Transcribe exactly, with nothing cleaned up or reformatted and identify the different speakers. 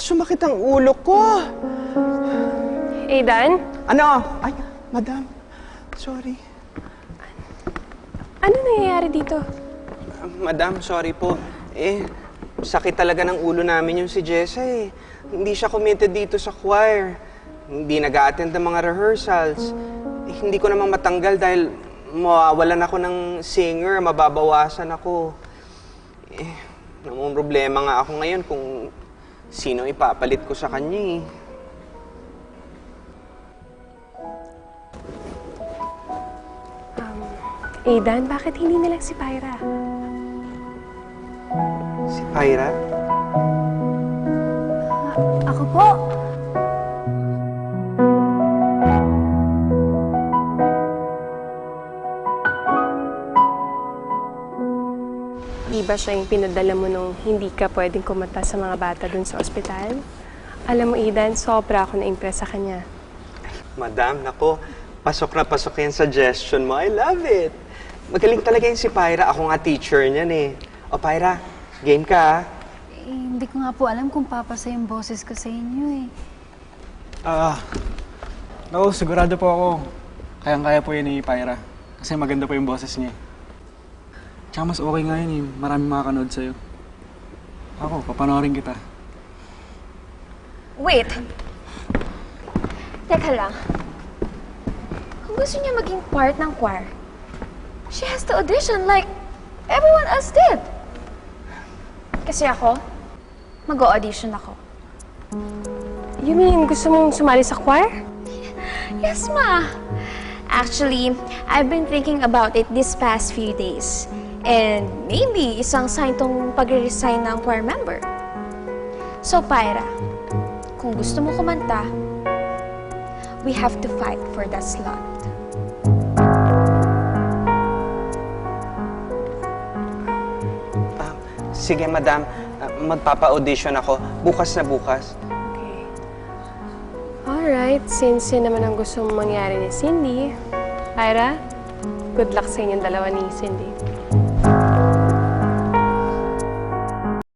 Speaker 1: sumakit ang ulo ko.
Speaker 2: Aidan?
Speaker 1: Ano? Ay, madam. Sorry.
Speaker 2: Ano nangyayari dito?
Speaker 1: Uh, madam, sorry po. Eh, sakit talaga ng ulo namin yung si Jessa eh. Hindi siya committed dito sa choir. Hindi nag-a-attend ng mga rehearsals. Eh, hindi ko namang matanggal dahil mawawalan ako ng singer, mababawasan ako. Eh, namang problema nga ako ngayon kung sino ipapalit ko sa kanya eh.
Speaker 2: Um, Aidan, bakit hindi na lang si Pyra?
Speaker 1: Si Pyra?
Speaker 3: Ako po.
Speaker 2: Di ba siya yung pinadala mo nung hindi ka pwedeng kumanta sa mga bata dun sa ospital? Alam mo, Aidan, sobra ako na-impress sa kanya.
Speaker 1: Madam, nako, pasok na pasok yung suggestion mo. I love it. Magaling talaga yung si Pyra. Ako nga teacher niyan eh. O Pyra, game ka ah.
Speaker 3: Eh, hindi ko nga po alam kung papasa yung boses ko sa inyo eh.
Speaker 4: Ah, naku, sigurado po ako. Kayang-kaya po yun ni Pyra. Kasi maganda po yung boses niya. Tsaka mas okay nga yun eh. Maraming makakanood sa'yo. Ako, papanoorin kita.
Speaker 5: Wait. Teka lang. Kung gusto niya maging part ng choir, she has to audition like everyone else did. Kasi ako, mag-audition ako.
Speaker 2: You mean, gusto mong sumali sa choir?
Speaker 5: Yes, ma. Actually, I've been thinking about it these past few days. And maybe isang sign tong pag-resign ng choir member. So, Pyra, kung gusto mo kumanta, we have to fight for that slot.
Speaker 1: Ah, sige, madam. Ah, magpapa-audition ako. Bukas na bukas.
Speaker 2: Okay. Alright, since yun naman ang gusto mong mangyari ni Cindy, Pyra, good luck sa inyong dalawa ni Cindy.